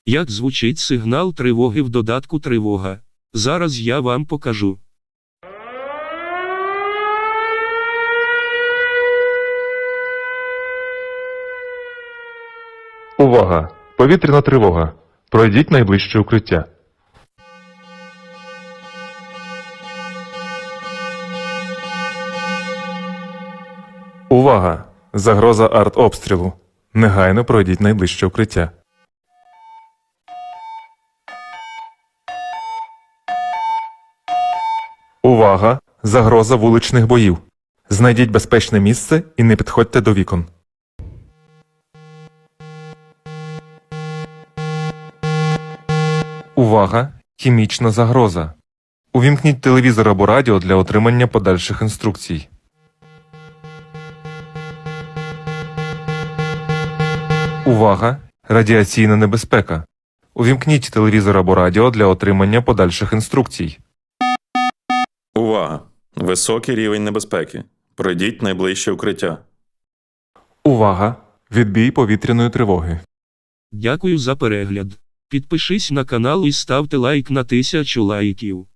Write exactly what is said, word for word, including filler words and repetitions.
Як звучить сигнал тривоги в додатку «Тривога»? Зараз я вам покажу. Увага! Повітряна тривога. Пройдіть найближче укриття. Увага! Загроза артобстрілу. Негайно пройдіть найближче укриття. Увага! Загроза вуличних боїв. Знайдіть безпечне місце і не підходьте до вікон. Увага! Хімічна загроза. Увімкніть телевізор або радіо для отримання подальших інструкцій. Увага! Радіаційна небезпека. Увімкніть телевізор або радіо для отримання подальших інструкцій. Увага! Високий рівень небезпеки. Пройдіть найближче укриття. Увага! Відбій повітряної тривоги. Дякую за перегляд. Підпишись на канал і ставте лайк на тисячу лайків.